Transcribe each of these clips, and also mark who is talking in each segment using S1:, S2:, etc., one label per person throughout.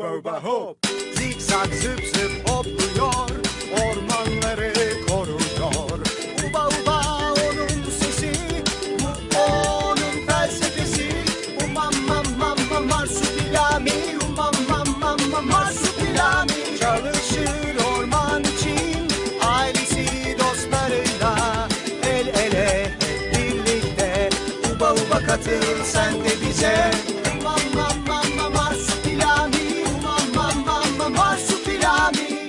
S1: uba uba hop. Zikzak zıp zıp hopluyor, ormanları koruyor. Uba uba onun sesi, bu onun felsefesi. Umam mam mam mam marsupilami, umam mam mam mam marsupilami. Çalışır orman için, ailesi dostlarıyla el ele hep birlikte. Uba uba katıl sen de bize. Umam mam mam mam marsupilami, umam mam mam mam marsupilami.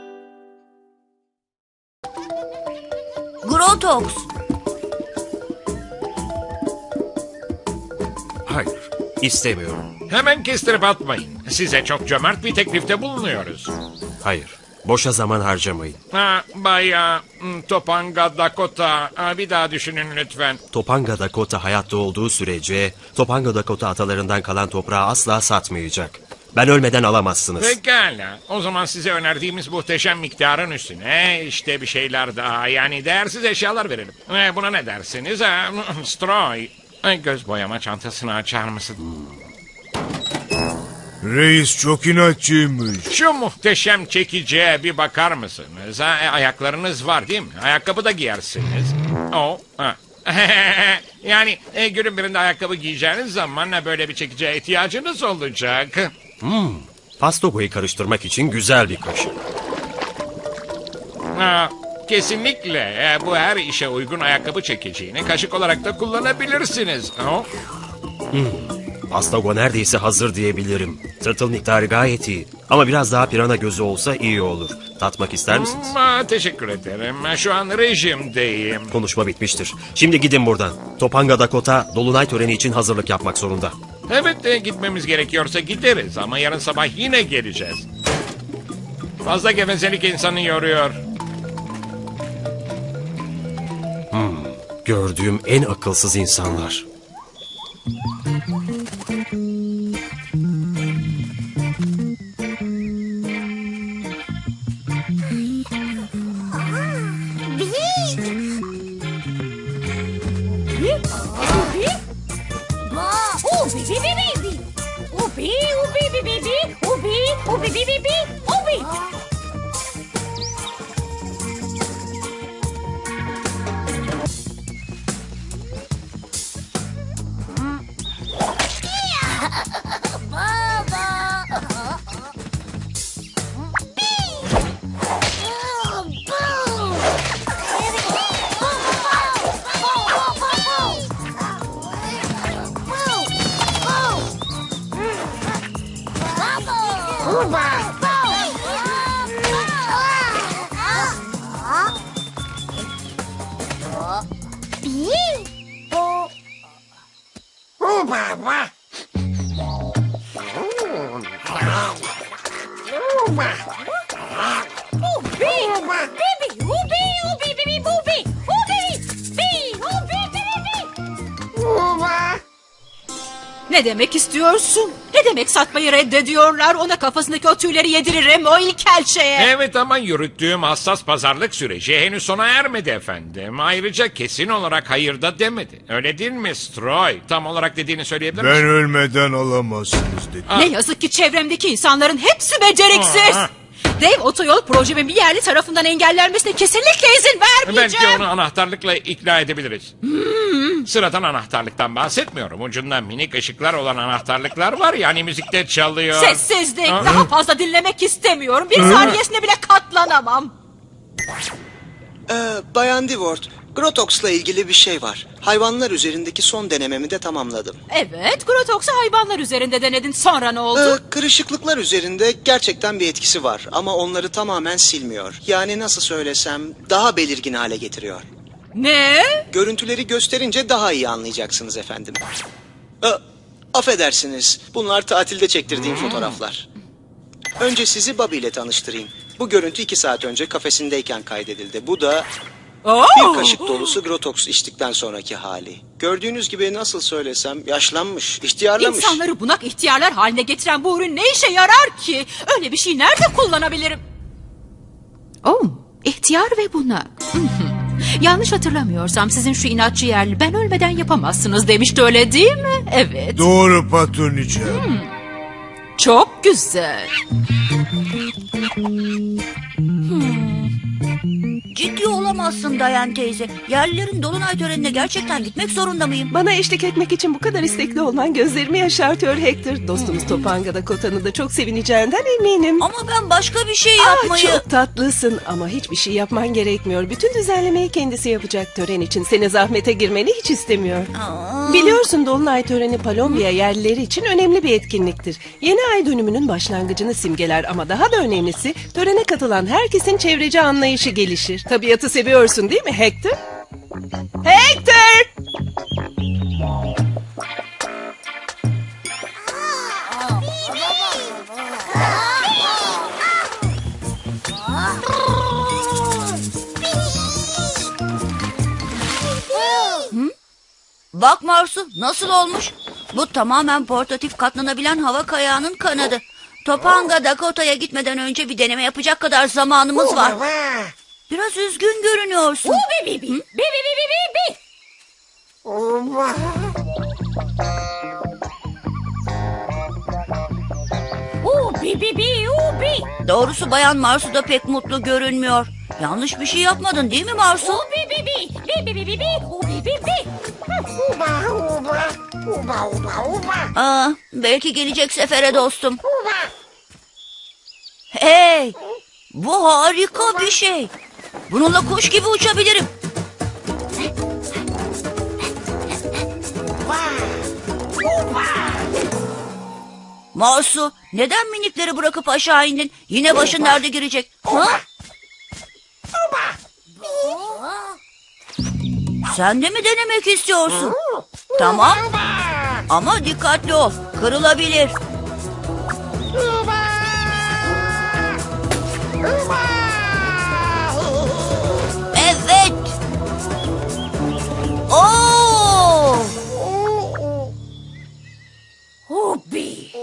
S2: Grotox.
S3: Hayır, istemiyorum.
S4: Hemen kestirip atmayın. Size çok cömert bir teklifte bulunuyoruz.
S3: Hayır, boşa zaman harcamayın.
S4: Bay Topanga Dakota, bir daha düşünün lütfen.
S3: Topanga Dakota hayatta olduğu sürece Topanga Dakota atalarından kalan toprağı asla satmayacak. Ben ölmeden alamazsınız.
S4: Pekala. O zaman size önerdiğimiz muhteşem miktarın üstüne işte bir şeyler daha, yani değersiz eşyalar verelim. Buna ne dersiniz? Stroy, göz boyama çantasını açar mısın?
S5: Reis çok inatçıymış.
S4: Şu muhteşem çekiciye bir bakar mısınız? Ayaklarınız var değil mi? Ayakkabı da giyersiniz. Yani günün birinde ayakkabı giyeceğiniz zaman böyle bir çekiciye ihtiyacınız olacak.
S3: Pastogo'yu karıştırmak için güzel bir kaşık.
S4: Kesinlikle bu her işe uygun ayakkabı çekiciğini kaşık olarak da kullanabilirsiniz.
S3: Pastogo neredeyse hazır diyebilirim. Tırtıl miktarı gayet iyi. Ama biraz daha pirana gözü olsa iyi olur. Tatmak ister misiniz?
S4: Teşekkür ederim. Şu an rejimdeyim.
S3: Konuşma bitmiştir. Şimdi gidin buradan. Topanga Dakota dolunay töreni için hazırlık yapmak zorunda.
S4: Evet, gitmemiz gerekiyorsa gideriz ama yarın sabah yine geleceğiz. Fazla gevezelik insanı yoruyor.
S3: Gördüğüm en akılsız insanlar.
S6: Ne demek istiyorsun? Ne demek satmayı reddediyorlar? Ona kafasındaki o tüyleri yediririm o ilkel şeye.
S4: Evet ama yürüttüğüm hassas pazarlık süreci henüz sona ermedi efendim. Ayrıca kesin olarak hayır da demedi. Öyle değil mi Stroy? Tam olarak dediğini söyleyebilir misin?
S5: Ben ölmeden alamazsınız dedi.
S6: Ne yazık ki çevremdeki insanların hepsi beceriksiz. Dev otoyol projemin bir yerli tarafından engellenmesine kesinlikle izin vermeyeceğim.
S4: Belki onu anahtarlıkla ikna edebiliriz. Sıradan anahtarlıktan bahsetmiyorum. Ucunda minik ışıklar olan anahtarlıklar var ya, hani müzikte çalıyor.
S6: Sessizlik. Daha fazla dinlemek istemiyorum. Bir saniyesine bile katlanamam.
S1: Bayan Divort, Grotox'la ilgili bir şey var. Hayvanlar üzerindeki son denememi de tamamladım.
S6: Evet, Grotox'u hayvanlar üzerinde denedin. Sonra ne oldu?
S1: Kırışıklıklar üzerinde gerçekten bir etkisi var. Ama onları tamamen silmiyor. Yani nasıl söylesem daha belirgin hale getiriyor.
S6: Ne?
S1: Görüntüleri gösterince daha iyi anlayacaksınız efendim. Affedersiniz, bunlar tatilde çektirdiğim fotoğraflar. Önce sizi Bobby ile tanıştırayım. Bu görüntü 2 saat önce kafesindeyken kaydedildi. Bu da bir kaşık dolusu Grotox içtikten sonraki hali. Gördüğünüz gibi nasıl söylesem yaşlanmış, ihtiyarlamış.
S6: İnsanları bunak ihtiyarlar haline getiren bu ürün ne işe yarar ki? Öyle bir şey nerede kullanabilirim? İhtiyar ve bunak. Yanlış hatırlamıyorsam sizin şu inatçı yerli ben ölmeden yapamazsınız demişti, öyle değil mi? Evet.
S5: Doğru patroniçem.
S6: çok güzel.
S2: Ciddi olamazsın Dayan teyze. Yerlilerin dolunay törenine gerçekten gitmek zorunda mıyım?
S7: Bana eşlik etmek için bu kadar istekli olman gözlerimi yaşartıyor Hector. Dostumuz Topanga Dakota'nı da çok sevineceğinden eminim.
S2: Ama ben başka bir şey
S7: Ah,
S2: yapmayı...
S7: çok tatlısın ama hiçbir şey yapman gerekmiyor. Bütün düzenlemeyi kendisi yapacak. Tören için seni zahmete girmeni hiç istemiyor. Biliyorsun Dolunay töreni Palombiya yerlileri için önemli bir etkinliktir. Yeni ay dönümünün başlangıcını simgeler ama daha da önemlisi törene katılan herkesin çevreci anlayışı gelişir. Tabiatı seviyorsun değil mi Hector? Hector!
S2: Bak Marsu, nasıl olmuş? Bu tamamen portatif katlanabilen hava kayağının kanadı. Topanga Dakota'ya gitmeden önce bir deneme yapacak kadar zamanımız var. Biraz üzgün görünüyorsun. Doğrusu Bayan Marsu da pek mutlu görünmüyor. Yanlış bir şey yapmadın değil mi Marsu? Belki gelecek sefere dostum. Hey! Bu harika bir şey. Bununla kuş gibi uçabilirim. Marsu, neden minikleri bırakıp aşağı indin? Yine başın derde girecek. Ha? Sen de mi denemek istiyorsun? Tamam. Ama dikkatli ol. Kırılabilir. Evet. Oo! Hobi.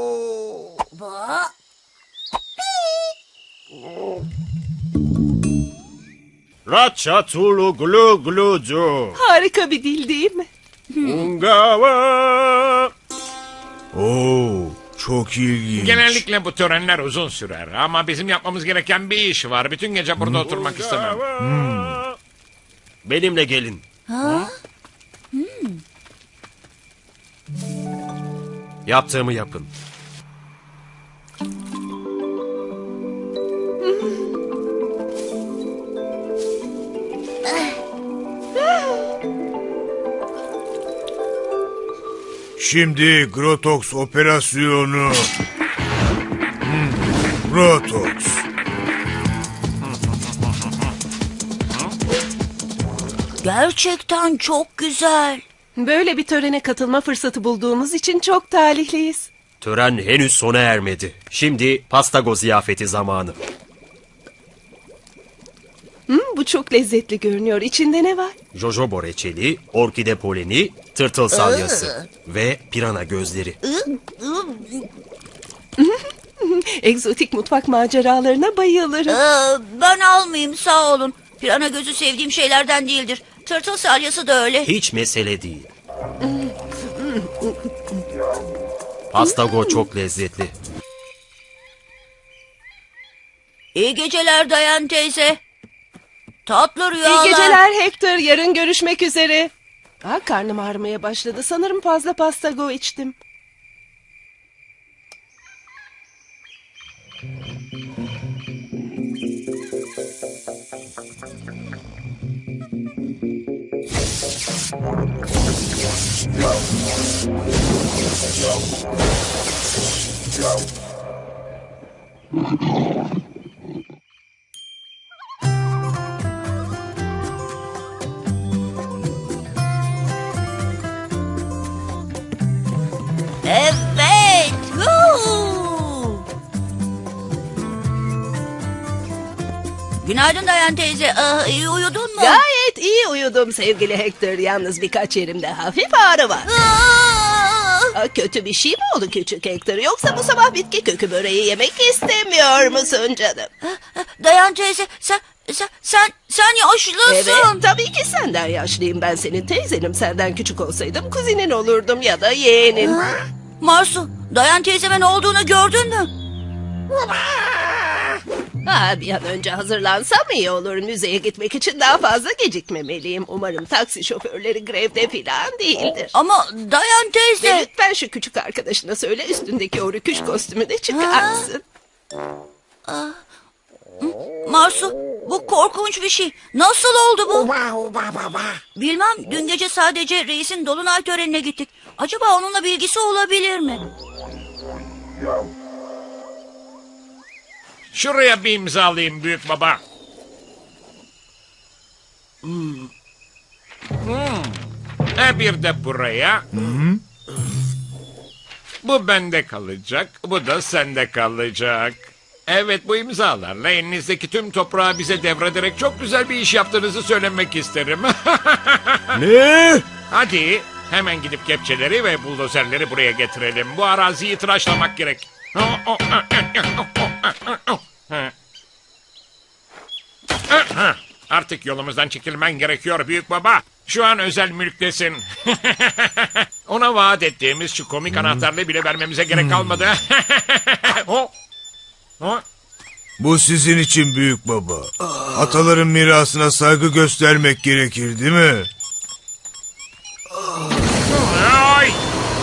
S3: Ratçatulu glu glucu.
S7: Harika bir dil değil mi?
S3: Ungava.
S5: Oo, çok ilginç.
S4: Genellikle bu törenler uzun sürer ama bizim yapmamız gereken bir iş var. Bütün gece burada oturmak istemem.
S3: Benimle gelin. Yaptığımı yapın.
S5: Şimdi Grotox operasyonu. Grotox.
S2: Gerçekten çok güzel.
S7: Böyle bir törene katılma fırsatı bulduğumuz için çok talihliyiz.
S3: Tören henüz sona ermedi. Şimdi pastago ziyafeti zamanı.
S7: Bu çok lezzetli görünüyor. İçinde ne var?
S3: Jojoba reçeli, orkide poleni, tırtıl salyası ve pirana gözleri.
S7: Egzotik mutfak maceralarına bayılırım.
S2: Ben almayayım sağ olun. Pirana gözü sevdiğim şeylerden değildir. Tırtıl salyası da öyle.
S3: Hiç mesele değil. Pastago çok lezzetli.
S2: İyi geceler Dayan teyze. Tatlı rüyalar.
S7: İyi geceler Hector. Yarın görüşmek üzere. Karnım ağrımaya başladı. Sanırım fazla pastago içtim.
S2: Evet. Huu. Günaydın Dayan teyze. İyi uyudun mu?
S7: Gayet iyi uyudum sevgili Hector. Yalnız birkaç yerimde hafif ağrı var. Kötü bir şey mi oldu küçük Hector? Yoksa bu sabah bitki kökü böreği yemek istemiyor musun canım?
S2: Dayan teyze sen yaşlısın.
S7: Evet, tabii ki senden yaşlıyım. Ben senin teyzenim. Senden küçük olsaydım kuzinin olurdum ya da yeğenin.
S2: Marsu Dayan teyzeme ne olduğunu gördün mü?
S7: Bir an önce hazırlansam iyi olur. Müzeye gitmek için daha fazla gecikmemeliyim. Umarım taksi şoförleri grevde falan değildir.
S2: Ama Dayan
S7: Ve
S2: teyze...
S7: lütfen şu küçük arkadaşına söyle üstündeki o rüküş kostümünü çıkarsın.
S2: Marsu, bu korkunç bir şey. Nasıl oldu bu? Bilmem, dün gece sadece reisin dolunay törenine gittik. Acaba onunla bir ilgisi olabilir mi?
S4: Şuraya bir imza alayım büyük baba. Bir de buraya. Bu bende kalacak. Bu da sende kalacak. Evet, bu imzalarla elinizdeki tüm toprağı bize devrederek çok güzel bir iş yaptığınızı söylemek isterim.
S5: Ne?
S4: Hadi hemen gidip kepçeleri ve buldozerleri buraya getirelim. Bu araziyi tıraşlamak gerek. Artık yolumuzdan çekilmen gerekiyor büyük baba. Şu an özel mülktesin. Ona vaat ettiğimiz şu komik anahtarlığı bile vermemize gerek kalmadı.
S5: Bu sizin için büyük baba. Ataların mirasına saygı göstermek gerekir değil mi?
S4: Ay!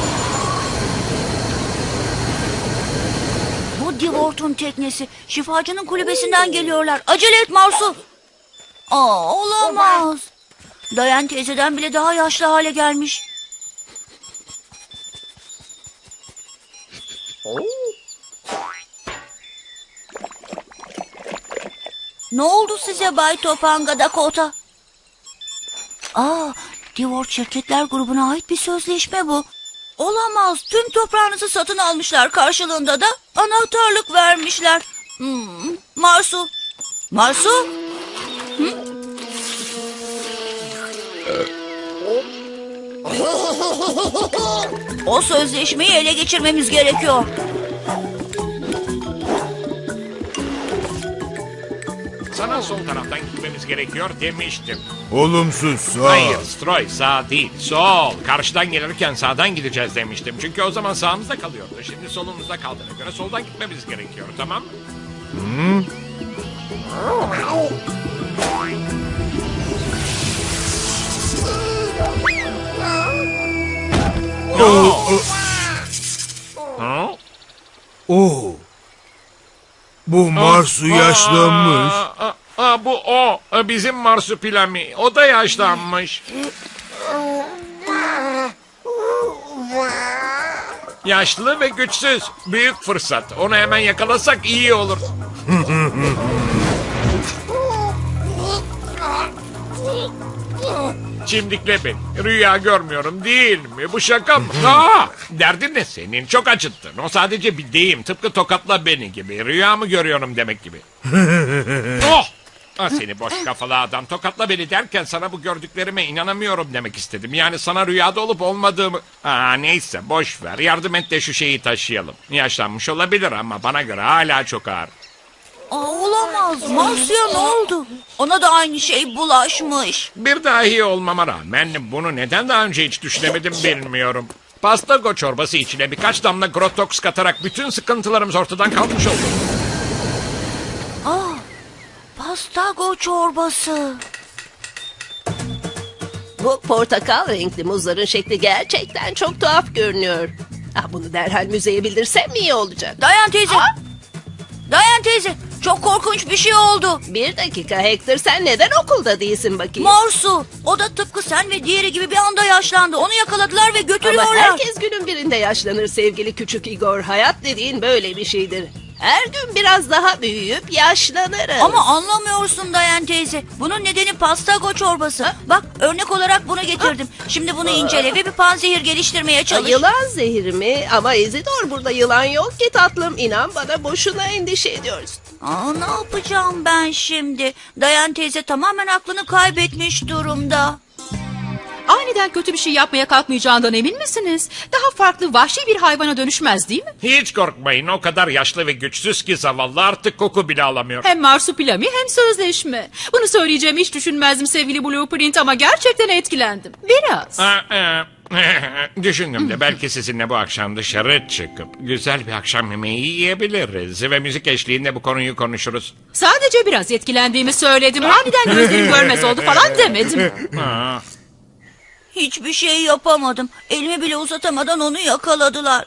S2: Bu Divort'un teknesi. Şifacının kulübesinden geliyorlar. Acele et Marsu. Olamaz. Dayan teyzeden bile daha yaşlı hale gelmiş. Ne oldu size Bay Topanga Dakota? Divort Şirketler grubuna ait bir sözleşme bu. Olamaz. Tüm toprağınızı satın almışlar. Karşılığında da anahtarlık vermişler. Marsu. Marsu? O sözleşmeyi ele geçirmemiz gerekiyor.
S4: Sana sol taraftan gitmemiz gerekiyor demiştim.
S5: Olumsuz sağ.
S4: Hayır Stroy, sağ değil, sol. Karşıdan gelirken sağdan gideceğiz demiştim. Çünkü o zaman sağımızda kalıyordu. Şimdi solumuzda kaldığına göre soldan gitmemiz gerekiyor, tamam mı?
S5: Oo. Bu Marsu yaşlanmış.
S4: Bu o. Bizim Marsupilami. O da yaşlanmış. Yaşlı ve güçsüz. Büyük fırsat. Onu hemen yakalasak iyi olur. Çimdikle beni. Rüya görmüyorum değil mi? Bu şaka mı? Derdin ne senin? Çok acıttın. O sadece bir deyim. Tıpkı tokatla beni gibi. Rüya mı görüyorum demek gibi. Seni boş kafalı adam. Tokatla beni derken sana bu gördüklerime inanamıyorum demek istedim. Yani sana rüyada olup olmadığımı... Neyse boş ver. Yardım et de şu şeyi taşıyalım. Yaşlanmış olabilir ama bana göre hala çok ağır.
S2: Olamaz. Marsu'ya ne oldu? Ona da aynı şey bulaşmış.
S4: Bir dahi olmama rağmen bunu neden daha önce hiç düşünemedim bilmiyorum. Pastago çorbası içine birkaç damla Grotox katarak bütün sıkıntılarımız ortadan kalkmış oldu.
S2: Pastago çorbası.
S7: Bu portakal renkli muzların şekli gerçekten çok tuhaf görünüyor. Bunu derhal müzeye bildirsem iyi olacak.
S2: Dayan teyze. Dayan teyze. Çok korkunç bir şey oldu.
S7: Bir dakika Hector, sen neden okulda değilsin bakayım?
S2: Marsu. O da tıpkı sen ve diğeri gibi bir anda yaşlandı. Onu yakaladılar ve götürüyorlar.
S7: Ama herkes günün birinde yaşlanır sevgili küçük Igor. Hayat dediğin böyle bir şeydir. Her gün biraz daha büyüyüp yaşlanırız.
S2: Ama anlamıyorsun Dayan teyze. Bunun nedeni pastago çorbası. Bak örnek olarak bunu getirdim. Şimdi bunu incele ve bir panzehir geliştirmeye çalış.
S7: Yılan zehri mi? Ama Izidor, burada yılan yok ki tatlım. İnan bana, boşuna endişe ediyorsun.
S2: Ne yapacağım ben şimdi? Dayan teyze tamamen aklını kaybetmiş durumda.
S6: Aniden kötü bir şey yapmaya kalkmayacağından emin misiniz? Daha farklı vahşi bir hayvana dönüşmez değil mi?
S4: Hiç korkmayın, o kadar yaşlı ve güçsüz ki zavallı artık koku bile alamıyor.
S6: Hem marsupilami hem sözleşme. Bunu söyleyeceğimi hiç düşünmezdim sevgili Blueprint ama gerçekten etkilendim. Biraz.
S4: Düşündüm de belki sizinle bu akşam dışarı çıkıp güzel bir akşam yemeği yiyebiliriz. Ve müzik eşliğinde bu konuyu konuşuruz.
S6: Sadece biraz etkilendiğimi söyledim. Aniden gözlerim görmez oldu falan demedim.
S4: Aa,
S2: Hiçbir şey yapamadım. Elimi bile uzatamadan onu yakaladılar.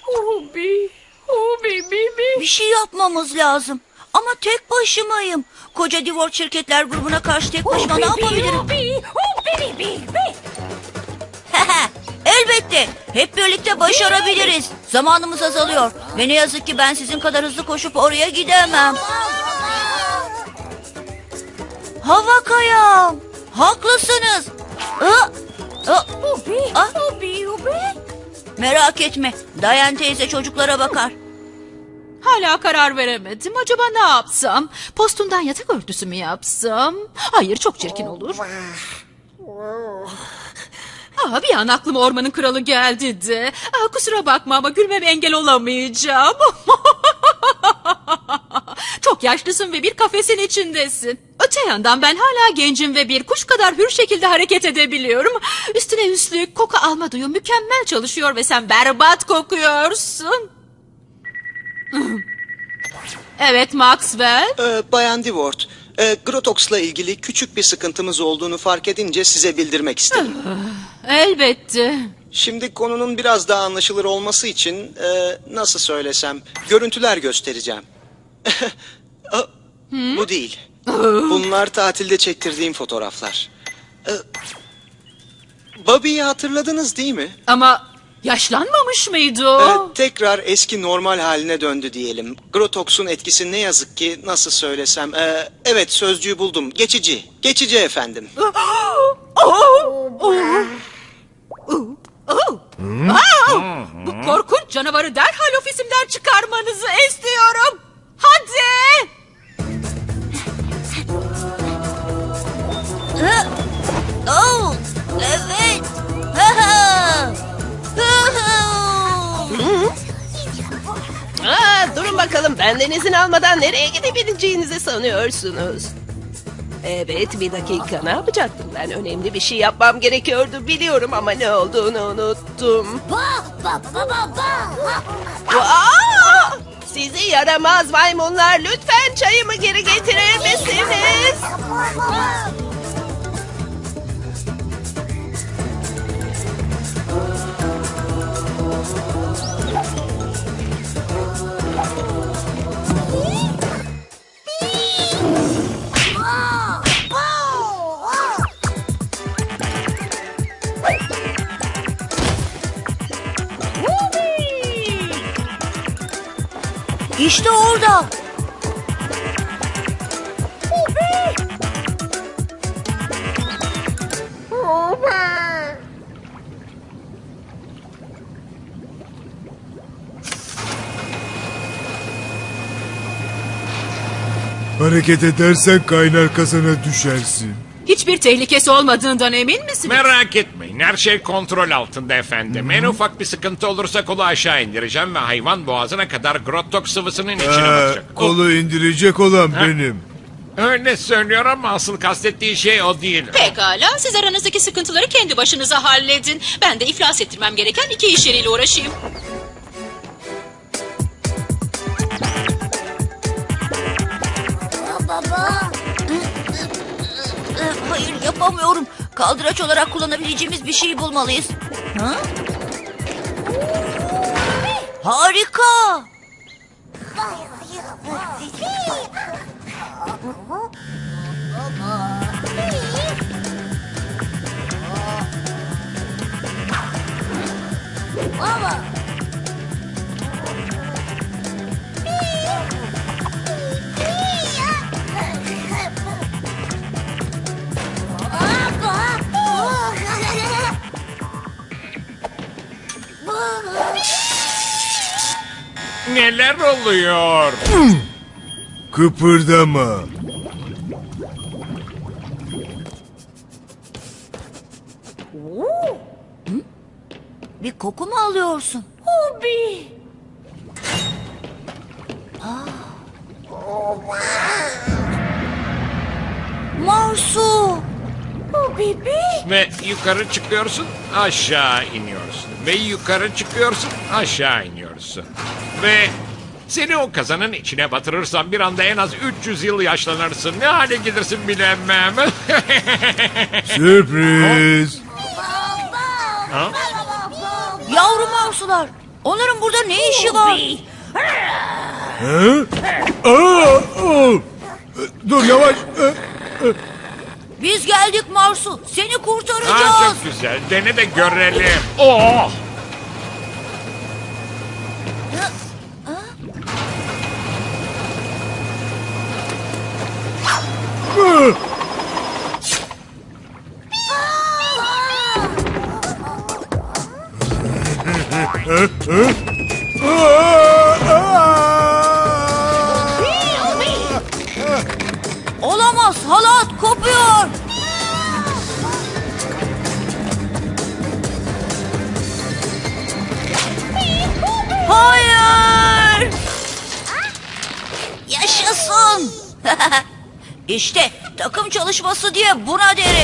S2: Bir şey yapmamız lazım. Ama tek başımayım. Koca Divort Şirketler grubuna karşı tek başıma ne yapabilirim? Elbette. Hep birlikte başarabiliriz. Zamanımız azalıyor. Ve ne yazık ki ben sizin kadar hızlı koşup oraya gidemem. Hava kayam. Haklısınız. Merak etme. Dayan teyze çocuklara bakar.
S6: Hala karar veremedim. Acaba ne yapsam? Postumdan yatak örtüsü mü yapsam? Hayır, çok çirkin olur. Bir an aklıma ormanın kralı geldi de. Kusura bakma ama gülmeme engel olamayacağım. Çok yaşlısın ve bir kafesin içindesin. Öte yandan ben hala gencim ve bir kuş kadar hür şekilde hareket edebiliyorum. Üstüne üstlük koku alma duyum mükemmel çalışıyor ve sen berbat kokuyorsun. Evet Maxwell.
S8: Bayan Divort, Grotox'la ilgili küçük bir sıkıntımız olduğunu fark edince size bildirmek istedim.
S6: Elbette.
S8: Şimdi konunun biraz daha anlaşılır olması için nasıl söylesem görüntüler göstereceğim. Bu değil. Bunlar tatilde çektirdiğim fotoğraflar. Bobby'yi hatırladınız değil mi?
S6: Ama yaşlanmamış mıydı o?
S8: Tekrar eski normal haline döndü diyelim. Grotox'un etkisi ne yazık ki nasıl söylesem. Evet sözcüğü buldum. Geçici. Geçici efendim.
S6: Bu korkunç canavarı derhal ofisimden çıkarmanızı istiyorum. Hadi.
S2: Oh, evet.
S7: Durun bakalım, benden izin almadan nereye gidebileceğinizi sanıyorsunuz? Evet, bir dakika, ne yapacaktım ben? Önemli bir şey yapmam gerekiyordu biliyorum ama ne olduğunu unuttum. Aa! Sizi yaramaz maymunlar, lütfen çayımı geri getirir misiniz?
S2: İşte orada.
S5: Hareket edersen kaynar kazana düşersin.
S6: Hiçbir tehlikesi olmadığından emin misiniz?
S4: merak etmeyin, her şey kontrol altında efendim. En ufak bir sıkıntı olursa kolu aşağı indireceğim ve hayvan boğazına kadar Grotox sıvısının içine batacak.
S5: Kolu indirecek olan benim.
S4: Öyle söylüyor ama asıl kastettiği şey o değil.
S6: Pekala, siz aranızdaki sıkıntıları kendi başınıza halledin. Ben de iflas ettirmem gereken 2 iş yeriyle uğraşayım.
S2: Hayır yapamıyorum. Kaldıraç olarak kullanabileceğimiz bir şey bulmalıyız. Ha? Harika.
S4: Neler oluyor?
S5: Kıpırdama.
S2: Bir koku mu alıyorsun? Marsu.
S4: Ve yukarı çıkıyorsun, aşağı iniyorsun. Ve yukarı çıkıyorsun, aşağı iniyorsun. Ve seni o kazanın içine batırırsam bir anda en az 300 yıl yaşlanırsın. Ne hale gelirsin bilemem.
S5: Sürpriz.
S2: Yavru marsular. Onların burada ne işi var?
S5: Hı? Aa, aa. Dur yavaş.
S2: Biz geldik Marsu. Seni kurtaracağız.
S4: Ha, çok güzel. Dene de görelim. Oh!
S2: Olamaz. Halat kopuyor. Hayır. Yaşasın. İşte takım çalışması diye buna derim.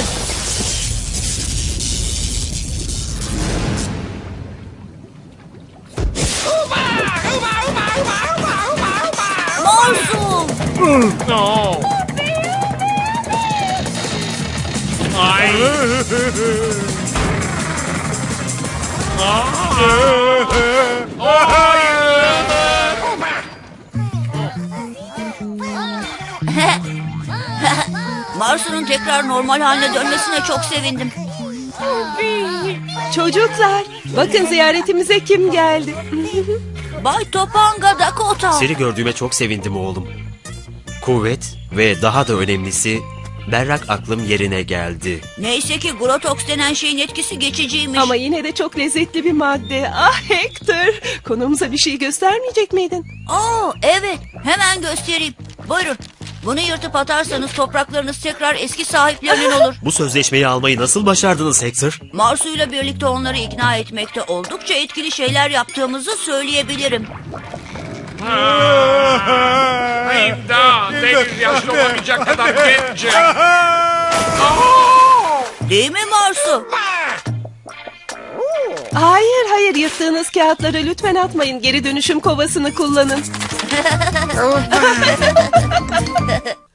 S2: Marsu.
S4: No. Ay.
S2: Marsu'nun tekrar normal haline dönmesine çok sevindim.
S7: Çocuklar, bakın ziyaretimize kim geldi?
S2: Bay Topanga Dakota.
S3: Seni gördüğüme çok sevindim oğlum. Kuvvet ve daha da önemlisi berrak aklım yerine geldi.
S2: Neyse ki Grotox denen şeyin etkisi geçiciymiş.
S7: Ama yine de çok lezzetli bir madde. Ah Hector, konuğumuza bir şey göstermeyecek miydin?
S2: Aa, evet, hemen göstereyim. Buyurun. Bunu yırtıp atarsanız topraklarınız tekrar eski sahiplerinin olur.
S3: Bu sözleşmeyi almayı nasıl başardınız Hector?
S2: Marsu'yla birlikte onları ikna etmekte oldukça etkili şeyler yaptığımızı söyleyebilirim.
S4: İmdat! Deniz yaşlı olamayacak kadar gencim.
S2: Değil mi Marsu?
S7: Hayır hayır, yırttığınız kağıtları lütfen atmayın. Geri dönüşüm kovasını kullanın.